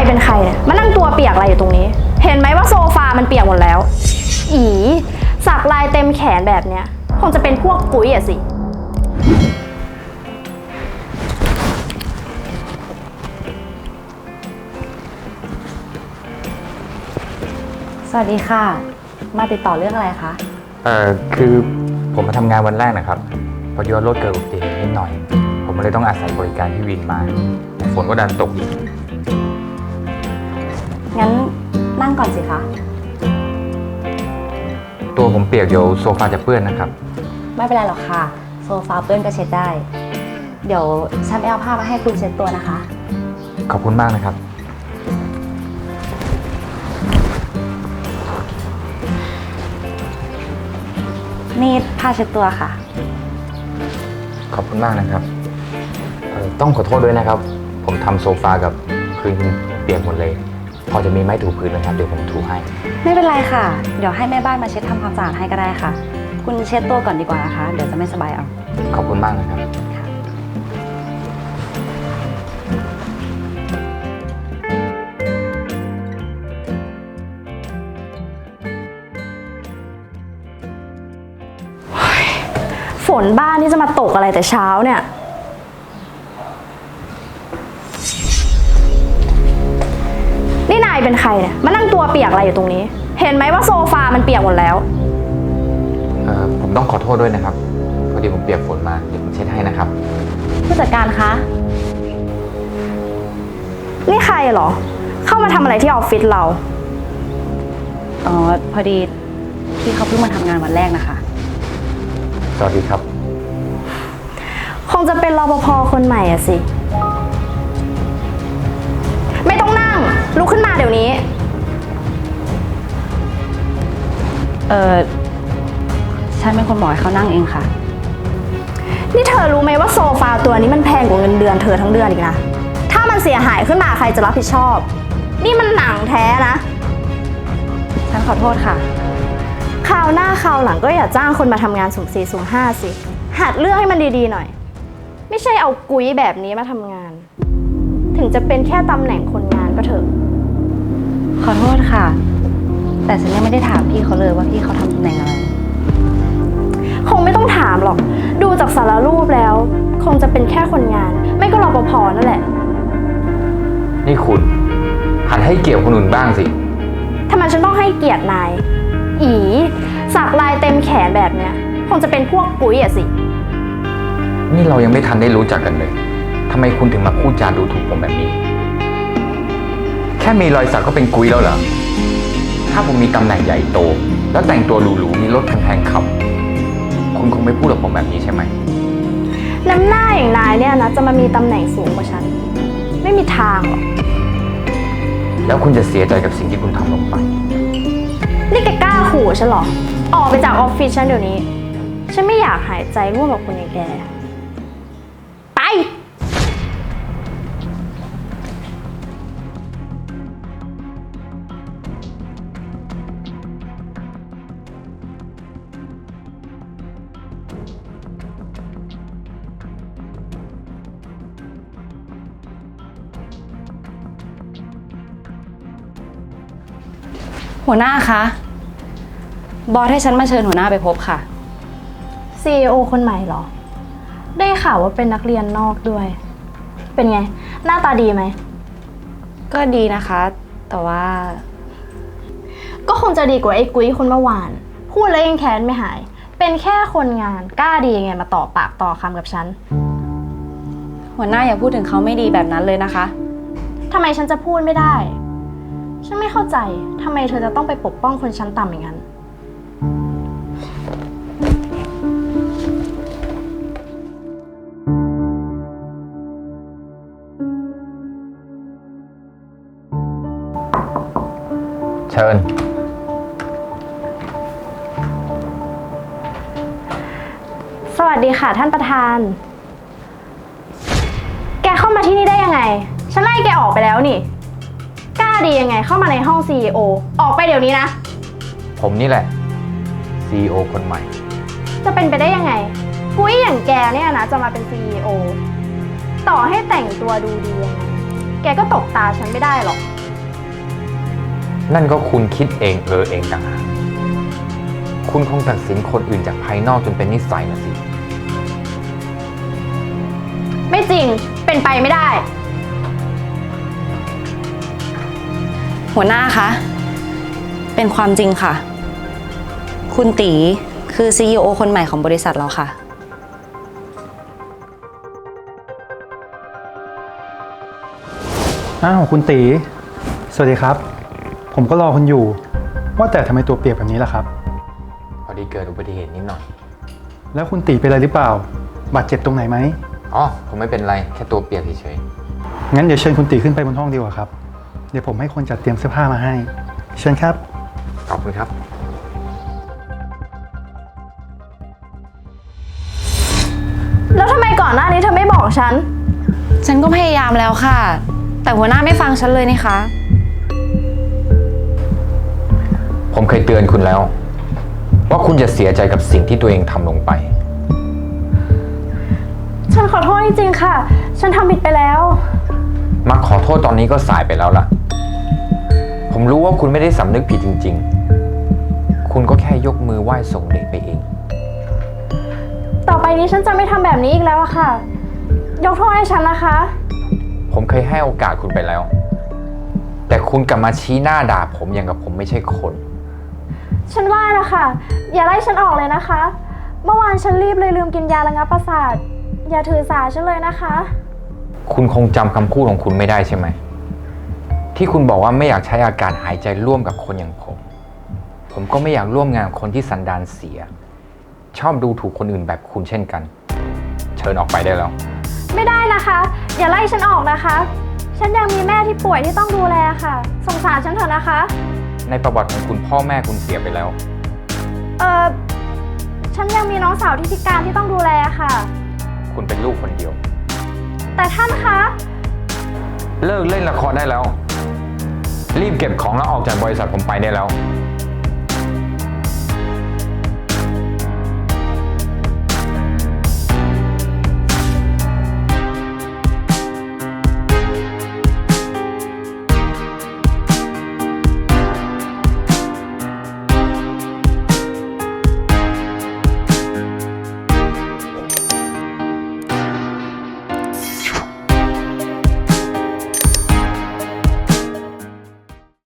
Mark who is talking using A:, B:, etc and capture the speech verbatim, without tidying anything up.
A: เป็นใครเนี่ยมานั่งตัวเปียกอะไรอยู่ตรงนี้เห็นไหมว่าโซฟามันเปียกหมดแล้วอีสักลายเต็มแขนแบบเนี้ยคงจะเป็นพวกปุ๋ยอะสิ
B: สวัสดีค่ะมาติดต่อเรื่องอะไรคะ
C: เอ่อคือผมมาทำงานวันแรกนะครับพอดีว่ารถเกิดอุบัติเหตุนิดหน่อยผมเลยต้องอาศัยบริการพี่วินมาฝนก็ดันตกอีก
B: งั้นนั่งก่อนสิคะ
C: ตัวผมเปียกเดี๋ยวโซฟาจะเปื้อนนะครับ
B: ไม่เป็นไรหรอกค่ะโซฟาเปื้อนก็เช็ดได้เดี๋ยวฉันไปเอาผ้ามาให้คุณเช็ดตัวนะคะ
C: ขอบคุณมากนะครับ
B: นี่ผ้าเช็ดตัวค่ะ
C: ขอบคุณมากนะครับเอ่อต้องขอโทษด้วยนะครับผมทำโซฟากับพื้นเปียกหมดเลยพอจะมีไม้ถูพื้นไหมครับเดี๋ยวผมถูให้
B: ไม่เป็นไรค่ะเดี๋ยวให้แม่บ้านมาเช็ดทำความสะอาดให้ก็ได้ค่ะคุณเช็ดตัวก่อนดีกว่านะคะเดี๋ยวจะไม่สบายเอา
C: ขอบคุณมากนะครับ
A: ฝนบ้านที่จะมาตกอะไรแต่เช้าเนี่ยนี่นายเป็นใครเนี่ยมานั่งตัวเปียกอะไรอยู่ตรงนี้เห็นไหมว่าโซฟามันเปียกหมดแล้ว
C: เอ่อผมต้องขอโทษด้วยนะครับพอดีผมเปียกฝนมาเดี๋ยวผมเช็ดให้นะครับ
B: ผู้จัดการคะ
A: นี่ใครเหรอเข้ามาทำอะไรที่ออฟฟิศเรา
B: อ๋อพอดีพี่เขาเพิ่งมาทำงานวันแรกนะคะ
C: สวัสดีครับ
A: คงจะเป็นรปภ.คนใหม่อะสิไม่ต้องนั่งลุกขึ้นมาเดี๋ยวนี้
B: เออฉันเป็นคนบอกให้เขานั่งเองค่ะ
A: นี่เธอรู้ไหมว่าโซฟาตัวนี้มันแพงกว่าเงินเดือนเธอทั้งเดือนอีกนะถ้ามันเสียหายขึ้นมาใครจะรับผิดชอบนี่มันหนังแท้นะ
B: ฉันขอโทษค่ะ
A: คราวหน้าคราวหลังก็อย่าจ้างคนมาทำงานสุ่มสี่สุ่มห้าสิหัดเลือกให้มันดีๆหน่อยไม่ใช่เอากุ้ยแบบนี้มาทำงานถึงจะเป็นแค่ตำแหน่งคนงานก็เถอะ
B: ขอโทษค่ะแต่ฉันยังไม่ได้ถามพี่เขาเลยว่าพี่เขาทำตำแหน่งอะไร
A: คงไม่ต้องถามหรอกดูจากสารรูปแล้วคงจะเป็นแค่คนงานไม่ก็รปภ.นั่นแหละ
C: นี่คุณหัดให้เกียรติคนอื่นบ้างสิ
A: ทำไมฉันต้องให้เกียรตินายอีสักลายเต็มแขนแบบเนี้ยคงจะเป็นพวกปุ๋ยอะสิ
C: นี่เรายังไม่ทันได้รู้จักกันเลยทำไมคุณถึงมาพูดจาดูถูกผมแบบนี้แค่มีรอยสักก็เป็นกุ้ยแล้วเหรอถ้าผมมีตำแหน่งใหญ่โตแล้วแต่งตัวหรูๆมีรถแพงๆขับคุณคงไม่พูดกับผมแบบนี้ใช่ไหม
A: น้ำหน้าอย่างนายเนี่ยนะจะมามีตำแหน่งสูงกว่าฉันไม่มีทางหรอก
C: แล้วคุณจะเสียใจกับสิ่งที่คุณทำลงไป
A: นี่แกกล้าขู่ฉันเหรอออกไปจากออฟฟิศฉันเดี๋ยวนี้ฉันไม่อยากหายใจร่วมกับคนอย่างแกไป
B: หัวหน้าคะบอสให้ฉันมาเชิญหัวหน้าไปพบค่ะ
A: ซี อี โอ คนใหม่เหรอได้ข่าวว่าเป็นนักเรียนนอกด้วยเป็นไงหน้าตาดีไหม
B: ก็ดีนะคะแต่ว่า
A: ก็คงจะดีกว่าไอ้กุ้ยคนเมื่อวานพูดแล้วยังแค้นไม่หายเป็นแค่คนงานกล้าดียังไงมาต่อปากต่อคำกับฉัน
B: หัวหน้าอย่าพูดถึงเขาไม่ดีแบบนั้นเลยนะคะ
A: ทำไมฉันจะพูดไม่ได้ฉันไม่เข้าใจทำไมเธอจะต้องไปปกป้องคนชั้นต่ำอย่างนั้น
C: เชิญ
A: สวัสดีค่ะท่านประธานแกเข้ามาที่นี่ได้ยังไงฉันไล่แกออกไปแล้วนี่กล้าดียังไงเข้ามาในห้อง ซี อี โอ ออกไปเดี๋ยวนี้นะ
C: ผมนี่แหละ ซี อี โอ คนใหม่
A: จะเป็นไปได้ยังไงกุ้ยอย่างแกเนี่ยนะจะมาเป็น ซี อี โอ ต่อให้แต่งตัวดูดียังไงแกก็ตกตาฉันไม่ได้หรอก
C: นั่นก็คุณคิดเองเออเองต่างหากคุณคงตัดสินคนอื่นจากภายนอกจนเป็นนิสัยนะสิ
A: ไม่จริง เป็นไปไม่ได้
B: หัวหน้าคะ เป็นความจริงค่ะ คุณตีคือ ซี อี โอ คนใหม่ของบริษัทเราค่ะ
D: อ้าวคุณตี สวัสดีครับ ผมก็รอคุณอยู่ ว่าแต่ทำไมตัวเปียกแบบนี้ล่ะครับ
C: พอดีเกิดอุบัติเหตุนิดหน่อย
D: แล้วคุณตีเป็นอะไรหรือเปล่า บาดเจ็บตรงไหนไหม
C: อ๋อ ผมไม่เป็นไร แค่ตัวเปียกเฉย
D: งั้นเดี๋ยวเชิญคุณตีขึ้นไปบนห้องดีกว่าครับ เดี๋ยวผมให้คนจัดเตรียมเสื้อผ้ามาให้ เชิญครับ
C: ๆ ขอบคุณครับ
A: แล้วทำไมก่อนหน้านี้เธอไม่บอกฉัน
B: ฉันก็พยายามแล้วค่ะ แต่หัวหน้าไม่ฟังฉันเลยนี่คะ
C: ผมเคยเตือนคุณแล้ว ว่าคุณจะเสียใจกับสิ่งที่ตัวเองทำลงไป
A: ฉันขอโทษจริงๆค่ะ ฉันทำผิดไปแล้ว
C: มาขอโทษตอนนี้ก็สายไปแล้วล่ะ ผมรู้ว่าคุณไม่ได้สำนึกผิดจริงๆ คุณก็แค่ยกมือไหว้ส่งเดชไปเอง
A: ต่อไปนี้ฉันจะไม่ทำแบบนี้อีกแล้วอะค่ะ ยกโทษให้ฉันนะคะ
C: ผมเคยให้โอกาสคุณไปแล้ว แต่คุณกลับมาชี้หน้าด่าผมอย่างกับผมไม่ใช่คน
A: ฉันว่านะคะอย่าไล่ฉันออกเลยนะคะ เมื่อวานฉันรีบเลยลืมกินยาระงับประสาท อย่าถือสาฉันเลยนะคะ
C: คุณคงจำคำพูดของคุณไม่ได้ใช่ไหม ที่คุณบอกว่าไม่อยากใช้อาการหายใจร่วมกับคนอย่างผม ผมก็ไม่อยากร่วมงานกับคนที่สันดานเสีย ชอบดูถูกคนอื่นแบบคุณเช่นกัน เชิญออกไปได้แล้ว
A: ไม่ได้นะคะ อย่าไล่ฉันออกนะคะ ฉันยังมีแม่ที่ป่วยที่ต้องดูแลค่ะ สงสารฉันเถอะนะคะ
C: ในประวัติของคุณพ่อแม่คุณเสียไปแล้ว
A: เออฉันยังมีน้องสาวที่พิการที่ต้องดูแลค่ะ
C: คุณเป็นลูกคนเดียว
A: แต่ท่านคะ
C: เลิกเล่นละครได้แล้ว รีบเก็บของแล้วออกจากบริษัทผมไปได้แล้ว